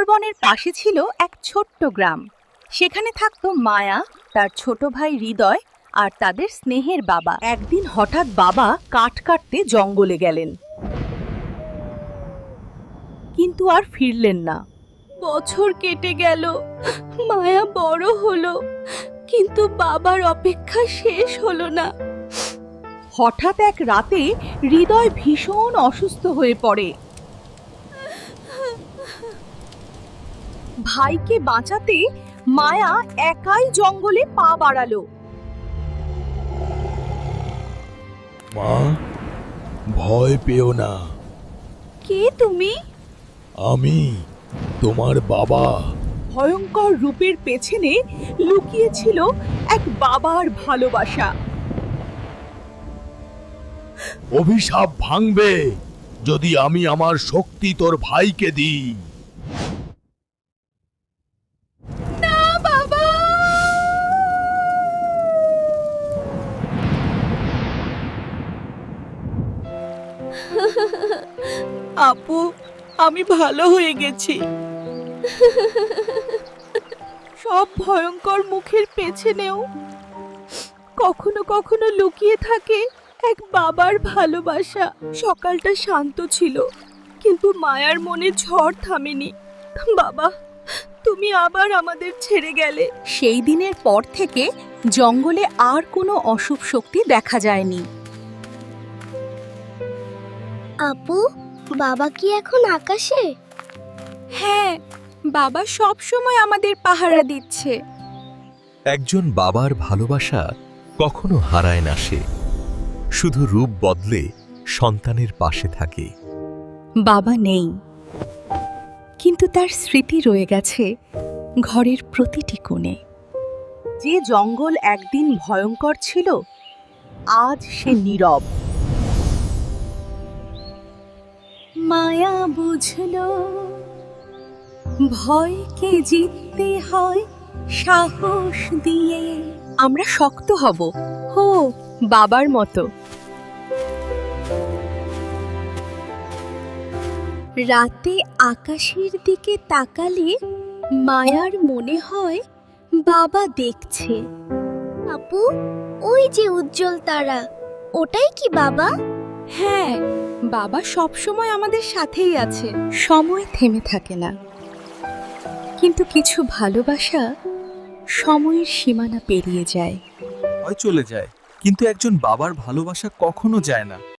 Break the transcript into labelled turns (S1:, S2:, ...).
S1: সুন্দরবনের পাশে ছিল এক ছোট্ট গ্রাম। সেখানে থাকতো মায়া, তার ছোট ভাই হৃদয় আর তাদের স্নেহের বাবা। একদিন হঠাৎ বাবা কাঠ কাটতে জঙ্গলে গেলেন, কিন্তু আর ফিরলেন না। বছর কেটে গেল, মায়া বড় হলো, কিন্তু বাবার অপেক্ষা শেষ হলো না। হঠাৎ এক রাতে হৃদয় ভীষণ অসুস্থ হয়ে পড়ে। ভাইকে বাঁচাতে মায়া একাই জঙ্গলে পা বাড়ালো।
S2: মা, ভয় পেও না,
S1: কে তুমি?
S2: আমি তোমার বাবা।
S1: ভয়ঙ্কর রূপের পেছনে লুকিয়ে ছিল এক বাবার ভালোবাসা।
S2: অভিশাপ ভাঙবে যদি আমি আমার শক্তি তোর ভাইকে দিই।
S1: না বাবা! আপু, আমি ভালো হয়ে গেছি। সব ভয়ঙ্কর মুখের পেছনেও কখনো কখনো লুকিয়ে থাকে এক বাবার ভালোবাসা। সকালটা শান্ত ছিল, কিন্তু মায়ার মনে ঝড় থামেনি। বাবা, তুমি আবার আমাদের ছেড়ে গেলে। সেই দিনের পর থেকে জঙ্গলে আর কোনো অশুভ শক্তি দেখা যায়নি।
S3: আপু, বাবা কি এখন আকাশে?
S1: হ্যাঁ, বাবা সব সময় আমাদের পাহারা দিচ্ছে।
S4: একজন বাবার ভালোবাসা কখনো হারায় না, সে শুধু রূপ বদলে সন্তানের পাশে থাকে।
S1: বাবা নেই, কিন্তু তার স্মৃতি রয়ে গেছে ঘরের প্রতিটি কোণে। যে জঙ্গল একদিন ভয়ঙ্কর ছিল, আজ সে নীরব। মায়া বুঝলো ভয়কে জিততে হয় সাহস দিয়ে। আমরা শক্ত হব, হো বাবার মতো। রাতে আকাশের দিকে তাকালে মায়ার মনে হয় বাবা দেখছে।
S3: আপু, ওই যে উজ্জ্বল তারা, ওটাই কি বাবা?
S1: হ্যাঁ, বাবা সব সময় আমাদের সাথেই আছে। সময় থেমে থাকে না, কিন্তু কিছু ভালোবাসা সময়ের সীমানা পেরিয়ে যায়।
S5: হয় চলে যায়, কিন্তু একজন বাবার ভালোবাসা কখনো যায় না।